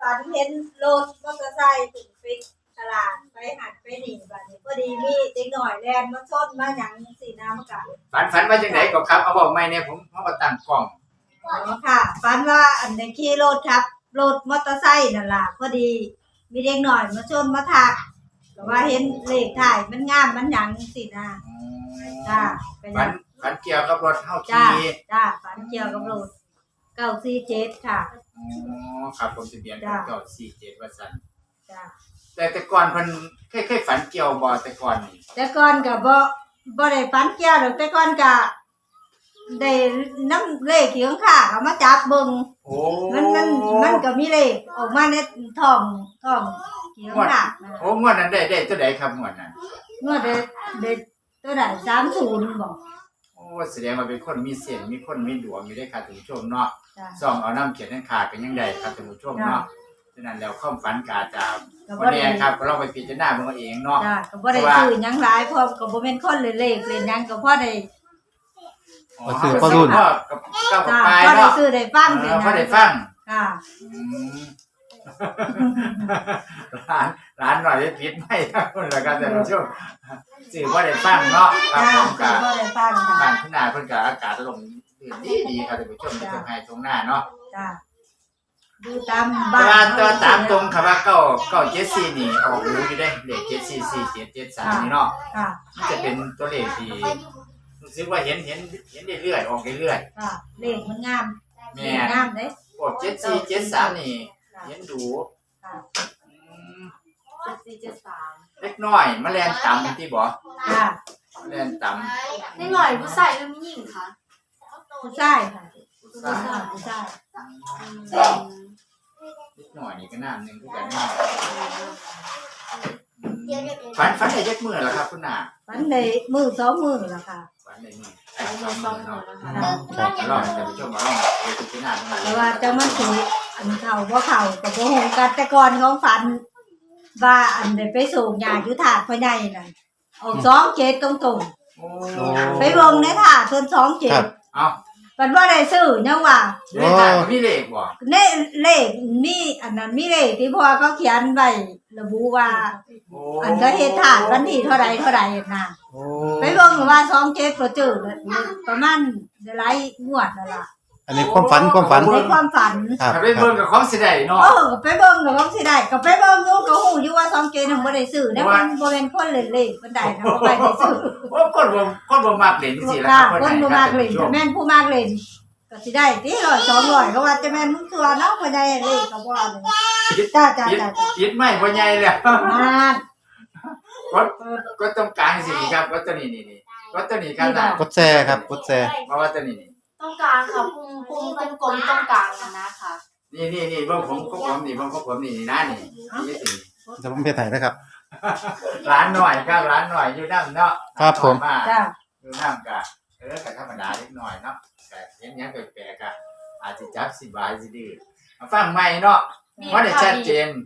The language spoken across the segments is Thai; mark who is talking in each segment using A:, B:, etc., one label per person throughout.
A: ฝันเห็นรถมอเตอร์ไซค์ถึงไปตลาดไปหัดไปหนีบัดนี้พอดีมีเด็กหน่อยแลนมาชนมาหยังสีน้ำกะ
B: ฝันว่าจังไดก็ครับเอาบอกใหม่เนี่ยผมก็ตั้งกล้อง
A: อ๋อค่ะฝันว่าอันในขี่รถครับรถมอเตอร์ไซค์นั่นล่ะพอดีมีเด็กหน่อยมาชนมาทักแต่ว่าเห็นเลขถ่ายมันงามมันหยังสินะจ้าเป็น
B: ฝันเกี่ยวกับรถเฮา
A: จ้า
B: ขี่
A: จ้าฝันเกี่ยวกับรถ947ค่ะ
B: อ๋อครับผมทะเบียน947ว่าซั่น
A: จ้า
B: แต่ก่อนเพิ่นเคยฝันเกี่ยวบ่แต่ก่อนนี่
A: แต่ก่อนก็บ่ได้ฝันเกี่ยวดอกแต่ก่อนก็ได้น้ำเลขที่ข้างๆเอามาจับเบิ่ง
B: โอ้
A: มันก็มีเลขออกมาในท้องที่ข้างๆนั่น
B: โอ้งวดนั้นได้ตัวใดครับงวดนั้น
A: เมื่อได้ตัวใด30บอก
B: โอ้แสดงว่าเป็นคนมีเส้นมีคนมีดวงอยู่ได้ครับท่านผู้ชมเนาะ
A: จ้า
B: ส่องเอาน้ำเขียนทั้งขาดกันยังได้ครับท่านผู้ชมเนาะฉะนั้นแล้วความฝันกาจะ
A: ก็
B: วันนี้ครับก็ลองไปพิจารณาเบิ่งเอาเองเนาะ
A: จ้าก็บ่ได้ซื้อหยังหลายเพราะก็บ่แม่นคนเล่นเลขเล่นหยังก็พอได้
C: ก็คือพ่อรุ่น
B: ก็กับ
A: จ้า
B: ปลาย
A: พอได้
B: เนาะ
A: ซื้อได้ฟังได้
B: พอได้ฟัง
A: ค่ะ
B: อืม ร้านหน่อยได้ผิดไหมครับคุณละครับท่านผู้ชมสื่อว่าได้ฟังเนาะครับ
A: จ้า
B: ผมกับ
A: พอได้ฟังค่ะ
B: บ้านขึ้นหน้าเพิ่นกับอากาศลงดีครับท่านผู้ชมในตรงไห้ตรงหน้าเนาะ
A: จ้าดูตาม
B: เว
A: บ้าน
B: ลาตัวตามตรงครับว่า974นี่ออกรู้อยู่ได้เลข744773นี่เนาะ
A: ค่ะ
B: มันจะเป็นตัวเลขที่รู้สึกว่าเห็นเรื่อยๆออกเรื่อย
A: ค่ะเลขมันงาม
B: ๆ
A: เล
B: แม่
A: ขงามเด้
B: พวก7473นี่
A: ค่ะ
B: เห็นดู
A: ค่ะ
B: อืม
D: 7473
B: เล็กน้อยแมลงต่ำที่บ่
A: จ้า
B: แมลงต่ำ
D: นิดหน่อยผู้ชายหรือผู้หญิงคะ
A: ผู้ชายค่ะ
B: ใช่
A: ผู้ชาย
B: นิดหน่อยนี่ก็น้ำหนึ่งคือกันเนาะฝันได้ยักมือแล้วครับคุณนา
A: วันได้มือ2มื้อแล้วค่ะ
B: ฝันได้มือ
D: เอาเงินซองหนูนะคะ
A: ค่ะ
B: ลองแต่ผู้ชมมาลองไปพิจารณาตรงนั้น
A: แต่ว่าจะมาสิอันเข้าบ่เข้าก็บ่ฮู้กันแต่ก่อนของฝันว่าอันได้ไปส่งยาอยู่ถาดพ่อใหญ่นั่นออก27ตรง
B: โอ้
A: ๆไปเบิ่งในถาดเพิ่น
C: ครับ
A: 27
B: เอา
A: เพิ่นบ่ได้ซื้อยังว่า
B: อยู่ในถาดมีเลขบ่
A: ในเลขมีอันนั้นมีเลขที่พ่อเขาเขียนไว้ระบุว่า
B: โอ้
A: อันก็เฮ็ดถาดวันที่เท่าใดน่ะ
C: โอ้
A: ไปเบิ่งว่า27บ่เจอประมาณหลายงวดนั่นล่ะ
C: อันนี้ความฝัน
A: ในความฝัน
C: ครับ
B: ถ้าไปเบิ่งกับของสิได้เนาะ
A: ก็ไปเบิ่งก็สิได้ก็ไปเบิ่งอยู่ก็ฮู้อยู่ว่า27ถึงบ่ได้ซื้อนะมันบ่แม่นคนเล่นเลขปานใดนะบ่ได้ซื้อ
B: โอ้คนบ่มักเล่นจังซี่ล่ะ
A: ค่ะ
B: ครับ
A: คนบ่มากเล่นแต่แม่นผู้มากเล่นก็สิได้ติ100 200ก็ว่าจะแม่นมึงตัวเนาะบ่ได้เลขก็บ่เอาเลยจ้า
B: ปิดไม่บ่ใหญ่แล้ว
A: นั่น
B: ก็ต้องการสิครับก็ตัวนี้นี่ก็ตัวนี้ครับนะ
C: กดแชร์ครับกดแชร์
B: เพราะว่าตัวนี้นี่
D: ต้องกลางค่ะพุงกลมๆต้องกลางนะคะ
B: นี่เบิ่งผมก็ผมนี่เบิ่งก็ผมนี่นะนี่นี่สิ
C: เดี๋ยวผมเพจไหนนะครับ
B: ร้านหน่อยครับร้านหน่อยอยู่น้ำเนาะ
C: ครับผม
A: จ้า
B: อยู่น้ำกะกะธรรมดาเล็กน้อยเนาะแต่เห็นยังแปลกๆกะอาจจะจับสิบายสิดื้อมาฟังใหม่เนาะว่าได้ชัดเจน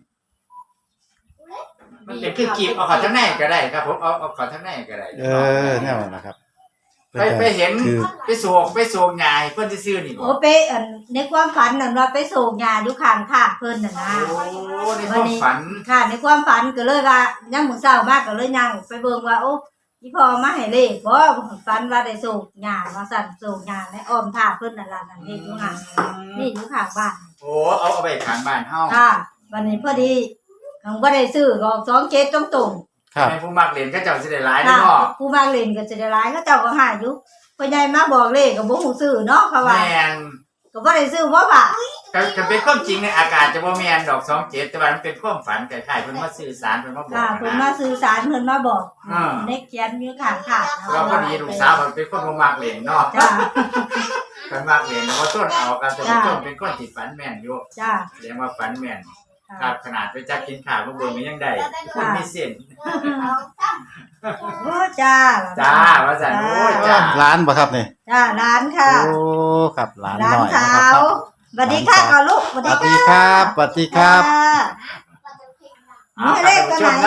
B: มันเป็นคือกีบเอาขอทั้งในก็ได้ครับผมเอาขอทั้งในก็ได้
C: แน่นอนนะครับ
B: ไปเห็น
C: คือ
B: ไปโศกยายเพิ่นซื่อๆนี่บ่
A: โอ้ไปอันในความฝันนั่นว่าไปส่งยาอยู่ข้างทางเพิ่นน่ะนะ
B: โอ้ในความฝัน
A: ค่ะในความฝันก็เลยว่ายังมื้อเช้ามากก็เลยย่างไปเบิ่งว่าโอ้อีพ่อมาให้เลขบ่ฝันว่าได้ส่งยาว่าสั่นส่งยาในอ้อมท่าเพิ่นนั่นล่ะนั่นเฮ็ดอยู่ห่างนี่อยู่ข้างบ้าน
B: โอ้เอาไปข้างบ้านเฮา
A: ค่ะวันนี้พอดีเขาบ่ได้ซื้อก็27ตรง
C: ครับ
B: ให้ผู้มักเล่นก็เจ้าสิได้หลาย
A: ๆ
B: เนาะ
A: ผู้มาเล่นก็จะได้หลายเขาเจ้าก็หาอยู่พ่อใหญ่มาบอกเลขก็บ่ฮู้ซื้อเนาะเขาว่า
B: แม่น
A: ก็บ่ได้ซื้อบ่ค่ะ
B: ก็เป็นความจริงในอากาศจะบ่แม่นดอก27แต่ว่ามันเป็นความฝันคล้ายๆเพิ่นมาสื่อสารเพิ่นมาบอก
A: ค่ะเพิ่น
B: นะ
A: มาสื่อสารเพิ่นมาบอก
B: อ่า
A: ในเขียนอยู่ข้างค่ะ
B: เราพอดีลูกสาวมันเป็นคนบ่มักเล่นเนาะ
A: จ้า
B: เพิ่นมักเล่นเพราะต้นเอากันแต่ต้นเป็นคนที่ฝันแม่นอยู่
A: จ้า
B: แสดงว่าฝันแม่นค
A: ค่ะ
B: รับขนาดไปจับกินข้าวบ่เบิ่งก็ยังได้คนมีเส้น
A: โอ้จ้า
B: จ้าว่าซั่นโอ้ยจ้า
C: ร้านบ่ครับนี่
A: จ้าร้านค่ะ
C: โอ้ครับร้าน
A: ร้า
C: ห
A: น
C: น่อย
A: สา
C: นะครับ
A: วสวัสดีค่ะก่อนลูกสวัส
C: ส
A: ดี
C: วัสดีครับสวัสดีครับ
A: จ้า
B: เอาครับท่านผู้ชมเนาะ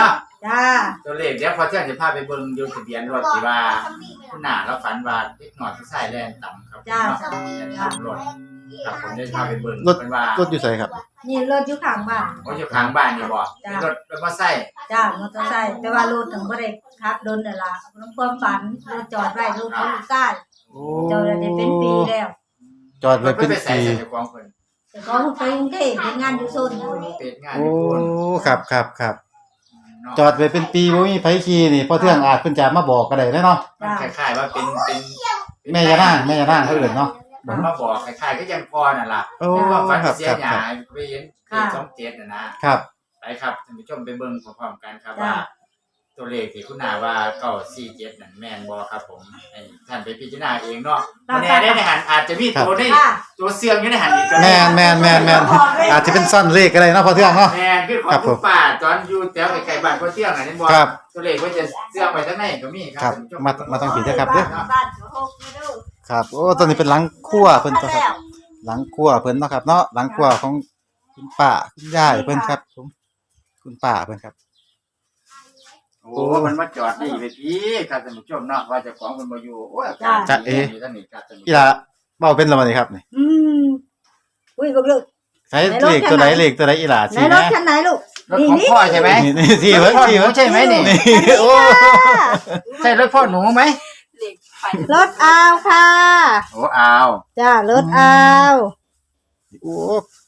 A: จ้า
B: ตัวเลขเดี๋ยวพอเที่ยงจะพาไปเบิ่งอยู่ทะเบียนรถที่ว่าคุณหน้าเราฝันว่าเด็กน้อยผู้ชายแล่นต่ำครับ
A: จ้า
B: เนาะขับรถครับผมได้พาไปเบิ่ง
C: รถ
B: เป็นว่าร
C: ถอยู่ไสครับ
A: นี่รถอยู่ข้างบ้าน
B: ว่าอยู่ข้างบ้านนี่บ่
A: จ้ะ
B: เป็นรถมอเตอร์ไซค์
A: จ้ามอเตอร์ไซค์แต่ว่ารถถึงบ่ได้ขับโดนนั่นล่ะน้ำความฝันรถจอดไว้รถเขาอยู่ใต้
C: โอ้
A: จอดได้เป็นปีแล้ว
C: จอดไว้เป็น
B: ไปใส่
C: ปี
B: ใส่ของเพิ่น
A: แต่ก็ไปกรุงเทพเป็นงานอยู่โซนอยู่
B: เป็นงาน
C: โอ้
B: ญี่ปุ่น
C: ครับครับครับ
B: เนาะ
C: จอดไว้เป็นปีบ่มีไผขี่นี่พอเทื่องอาจเพิ่นจะมาบอกก็ได้เนาะ
B: มันคล้ายๆว่าเป็น
C: แม่ยานางเขาเอิ้นเนาะ
B: มันมาบอกคล้ายๆก็ยังพอนั่นล่ะ
C: โอ้
B: ในความฝัน
C: ครับ
B: เสีย
C: ครับ
B: ห
C: ค
B: ยา
C: รับ
B: ยไปเห็นเป็น27น่ะนะครับ ไปครับท่านผู้ชมไปเบิ่งพร้อมๆกันครับว่า ตัวเลขที่คุณนาว่า947นั่นแม่นบ่ครับผมให้ท่านไปพิจารณาเองเนาะบ่แน่ได้ในหันอาจจะมีตัวนี้
A: ค่ะ
B: ตัวเสื่อมอยู่ในหันอีกก็
C: แม่
B: ได้
C: นอาจจะเป็นซ่อนเลขก็ได้เนาะพอเทื่องเนาะ
B: แม่นคือของ
C: ครับผม
B: คุณป้าตอนอยู่แถวไกลๆบ้านพ่อเที่ยงน่ะนี่บ่
C: ครับ
B: ตัวเลขว่าจะเสื่อมไว้ทางไหนก็มีค
C: ครั
B: รับบ ท่านผู้ช
C: มาต้องผิดนะครับเด้อ
A: บ้านเขาโฮกไม่ดู
C: ครับโอ้ตอนนี้เป็นหลังครัวเพิ่นตัวครับ หลังครัวเพิ่นเนาะครับเนาะหลังครัวของคุณป้าคุณยายเพิ่นครับผมคุณป้าเพิ่นครับ
B: โอ้มันมาจอดนี่ไปพี่ครับท่านผู้ชมเนาะว่าเจ้าของเพิ่นบ่อยู่โอ้ย
C: จ๊ะเอ๋
B: อยู่ทางนี้ครับท่านผู้ช
C: อี
B: ม
C: หล่ะเว้าเป็นแล้วบ่นี่ครับนี่
A: อุ้ยบ่ลูก
C: ใช้เลขตัวไหนเลขตัวไหนอีหล่ะ
A: ไหน
C: สิ
A: ร
C: นะ
A: ถคันไหนลูก
B: รถของพ่อใช่ไหม
C: นี่ที่เพิ่นที่เพิ่น
B: ใช่ไหมนี่
C: โอ้
B: ใช่รถพ่อหนูไหม
D: เหล็กไฟ
A: รถอาวค่ะ
B: โอ้เอา
A: จ้ารถอาว
C: โอ้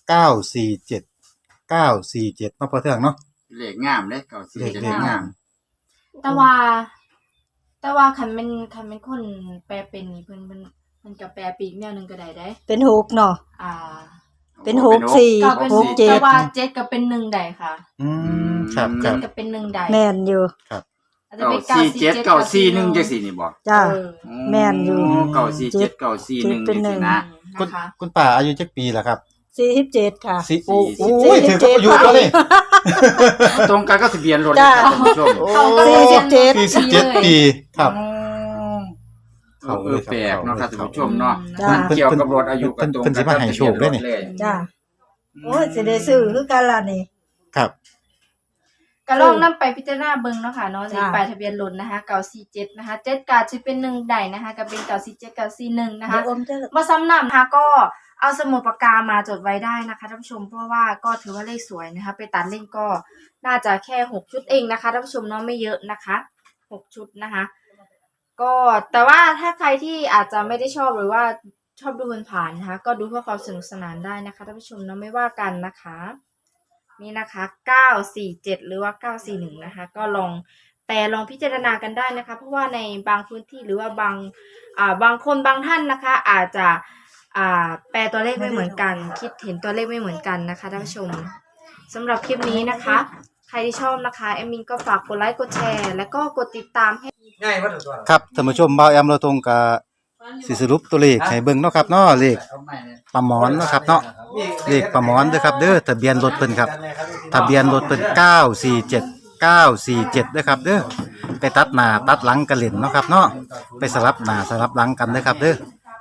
C: 947เนาะพอเทื่องเนาะ
B: เลขงามเด้เก่าสิ
C: เลข
B: จะ
C: เลขงาม
D: แต่ว่าคันเป็นคนแปลเป็นนี่เพิ่นก็แปลปีกแนวหนึงก็ได้เด้
A: เป็นหกเนาะ
D: อ่า
A: เป็นหกสี่
D: ก็เป็น
A: หกเจ็ด
D: แต่ว่าเจ็ดก็เป็นหนึ่งได้ค่ะ
C: ครับค
D: เจ็
C: รั
D: ด
C: บ
D: ก็เป็นหนึ่งได้
A: แม่นอยู่
D: อาจจะ
B: เก่า
D: เป็น
B: สี่เจ็ดเก่าสี่หนึ่ง
D: จั
B: จังสี่นี่บอก
A: จ้า
D: เ
A: แม่นอยู่
B: เก่าสี่เจ็ดเก่าสี่หนึ่ง
A: เป็
B: จั
A: น
B: ง
A: หนึ่
B: สี่
A: ง
B: นะ
C: คุณ
D: นะคะ
C: คุณป้าอายุจักปีล่ะครับ
A: 47ค่ะ
C: สิโอ้
B: สี่
C: โอ้ย
A: สิ
C: ถึ
A: บ
C: ง
A: เจ็
C: ก็
A: ด
C: อยู่ตัวนี้
B: ตรงกันก็ทะเบียนรถ
A: จ้า
B: ครับท่านผู้ชม
C: โอ้
D: เขาก็เลย
C: 47ปีครับ
B: เขาแปลกเนาะครับท่านผู้ชมเนาะ
A: จ้า
C: เพิ่น
B: เกี่ยวกับรถอายุกับตรง
C: เพิ่นสิมาให้โชคด้วยนี่
B: เลย
A: จ้าโอ้ยสิได้ซื้อคือกันล่ะนี่
C: ครับ
D: ก็ลองนำไปพิจารณาเบิ่งเนาะค่ะเนาะ
A: จ้า
D: ป้ายทะเบียนรถนะคะ947นะคะ7ก็สิเป็น1ได้นะคะก็เป็น947 941นะคะ
A: เดี๋ยวอมจะ
D: มาซ้ำนำนะคะก็เอาสมุดปากกามาจดไว้ได้นะคะท่านผู้ชมเพราะว่าก็ถือว่าเลขสวยนะคะไปตัดเล่นก็น่าจะแค่6ชุดเองนะคะท่านผู้ชมเนาะไม่เยอะนะคะ6ชุดนะคะก็แต่ว่าถ้าใครที่อาจจะไม่ได้ชอบหรือว่าชอบดูผ่านๆนะคะก็ดูเพื่อความสนุกสนานได้นะคะท่านผู้ชมเนาะไม่ว่ากันนะคะนี่นะคะ947หรือว่า941นะคะก็ลองพิจารณากันได้นะคะเพราะว่าในบางพื้นที่หรือว่าบางคนบางท่านนะคะอาจจะแปลตัวเลขไม่เหมือนกันคิดเห็นตัวเลขไม่เหมือนกันนะคะท่านผู้ชมสำหรับคลิปนี้นะคะ ใครที่ชอบนะคะแอมมินก็ฝากกดไลค์กดแชร์แล้วก็กดติดตามให้
B: ง่ายว่าตัว
C: ครับท่านผู้ชมบ่าวแอมเราตรงกับสิสรุปตัวเลขให้เบิ่งเนาะครับเนาะเลขปลาหมอนเนาะครับเนาะเลขปลาหมอนเด้อครับเด้อทะเบียนรถเพิ่นครับทะเบียนรถเพิ่น947เด้อครับเด้อไปตัดหน้าตัดหลังกันเล่นเนาะครับเนาะไปสลับหน้าสลับหลังกันเด้อครับเด้อ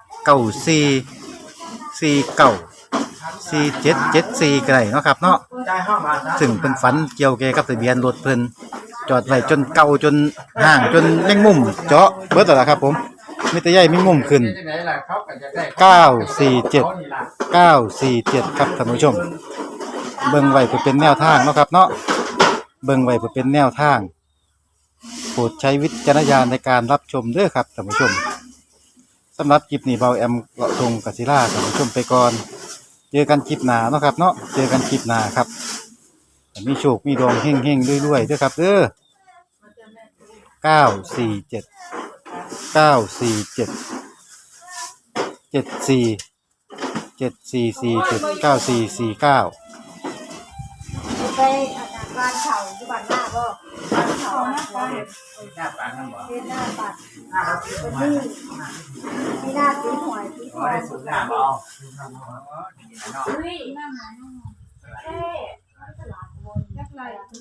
C: 94494774ก็ได้เนาะครับเนาะซึ่งเป็นฝันเกี่ยวแก่กับทะเบียนรถเพิ่นจอดไว้จนเก่าจนห่างจนแมงมุมเจาะเบิดแล้วล่ะครับผมมีแต่ใหญ่แมงมุมขึ้น947ครับท่านผู้ชมเบิ่งไว้เพื่อเป็นแนวทางเนาะครับเนาะเบิ่งไว้เพื่อเป็นแนวทางโปรดใช้วิจารณญาณในการรับชมเด้อครับท่านผู้ชมสำหรับคลิปนี้เบาแอมเลาะทงกศิลาท่านผู้ชมไปก่อนเจอกันคลิปหน้าเนาะครับเนาะเจอกันคลิปหน้าครับมีโชคมีดวงเฮงๆรวยๆเด้อครับเด้อ947 94494449
A: ไปอาจารย์บ้านเขาอยู่บ้านหน้าบ่บ้านเขาหน้าบ้าน
B: หน้าปากนั่นบ่
A: เป็นหน้าปัดเป็นนี่มีหน้าสีหวยสีห
B: อ๋อ
A: วย
B: ได้สูงหน้าบ่ดีนะเนาะ
D: เฮ้ยหน้าหมาเท่ยักษ์ไร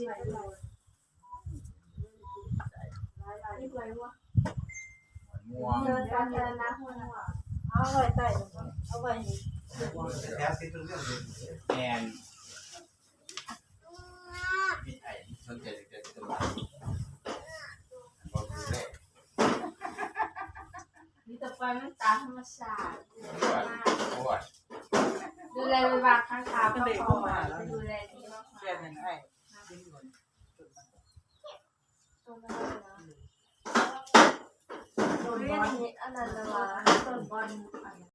B: ม่วง
A: เดินกันเดินนะเอาไว้ใต้เอาไว้
B: แอนมีไอ้สนใจจะ
D: ล่อยมันตามธรรมชาติ
B: โอ้ย
D: ดูแลไปวางข้างทางก็พอจะดูแลดีมาก
E: แค่นั้นให้
D: ตัวมันเลยนะตัวบอลอันนั้นเลยว่าตัวบอล